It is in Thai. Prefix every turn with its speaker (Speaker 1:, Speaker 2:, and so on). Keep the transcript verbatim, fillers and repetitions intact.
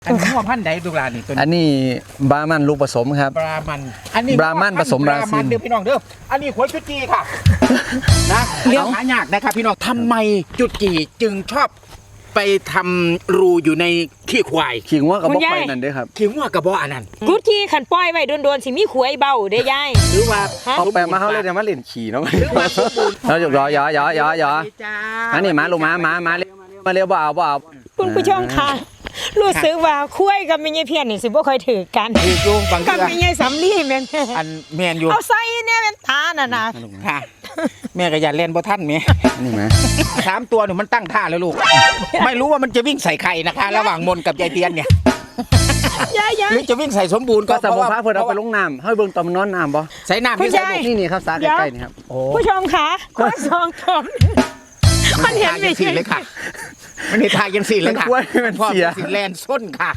Speaker 1: อันนี้ว่าพันธุ์ใดดูลานี่ตัว
Speaker 2: อัน
Speaker 1: นี้
Speaker 2: นี้บรามันลูกผสมครับ
Speaker 1: บรามันอันนี้
Speaker 2: บรามันผสมบราซิล
Speaker 1: เด้อพี่น้องเด้ออันนี้หัวจุดจีค่ะนะเรื่องหายากนะครับพี่น้องทำไมจุดจีจึงชอบไปทำรูอยู่ในขี้ควาย
Speaker 2: ขิงว่ากับ
Speaker 3: คุ
Speaker 2: บอก
Speaker 3: ณยาย
Speaker 2: ไปนั่นเด้อครับ
Speaker 1: ขิงว่ากระบอกอันนั้น
Speaker 3: กุดที่ขันป้อยไว้โดนๆสิมีขวยเบาเด้ยาย
Speaker 1: หรือว่า
Speaker 3: ฮะ
Speaker 2: เอาแปลมาเขาเลยจะมาเล่นขี่เนาะ
Speaker 1: หรือว่าสมบูรณ์
Speaker 2: เราหยอกยอยอยอยอ
Speaker 1: จ้า
Speaker 2: อันนี้มาลูกมามามาเร็วมาเร็วบ่เอาบ่เอา
Speaker 3: คุณผู้ชมค่ะรู้สึกว่าคุยกับแม่ยายเพียรนี่สิบ่ค่อยถือกัน
Speaker 1: คืออยู่บาง
Speaker 3: กับ
Speaker 1: เทื่อ
Speaker 3: แม่ยายสำลีแม่น
Speaker 1: อันแมนอยู่
Speaker 3: เอาใส่เนี่ยเป็นตาน่ะนะ
Speaker 1: ค่ะ แม่ก็อย่าเล่นบ่ท่านแม่
Speaker 2: อันนี้มา
Speaker 1: สามตัวหนูมันตั้งท่าแล้วลูก ไม่รู้ว่ามันจะวิ่งใส่ใครนะคะ ระหว่างมนกับยายเตียนเนี่ย
Speaker 3: ยายยา
Speaker 1: ห
Speaker 3: ย
Speaker 1: รือจะวิ่งใส่สมบูรณ์
Speaker 2: ก็
Speaker 1: ก็
Speaker 2: สม
Speaker 1: เพ
Speaker 2: มุ
Speaker 1: ราะ
Speaker 2: ติ
Speaker 1: ว่า
Speaker 2: พระเพิ่นเอาไปลงน้ำให้เบิ่งตอนมันนอนน้ำบ่
Speaker 1: ใส่น้ำ
Speaker 3: คุณ
Speaker 1: ที่ใส่
Speaker 3: ยาย
Speaker 1: ลูก
Speaker 2: นี่นี่ครับสาใกล้ๆนี่ครับ
Speaker 1: โอ้
Speaker 3: ผู้ชมค่ะคนสองคนมันเห็น
Speaker 1: ทา
Speaker 3: ไม่
Speaker 1: ยังสี่
Speaker 3: ใช่
Speaker 1: เลยค่ะ มันเห็นทายังสี่เลยค่ะ
Speaker 2: มันกล้วยมัน
Speaker 1: พ่อ
Speaker 2: เสีย
Speaker 1: สิแลนส้นค่ะ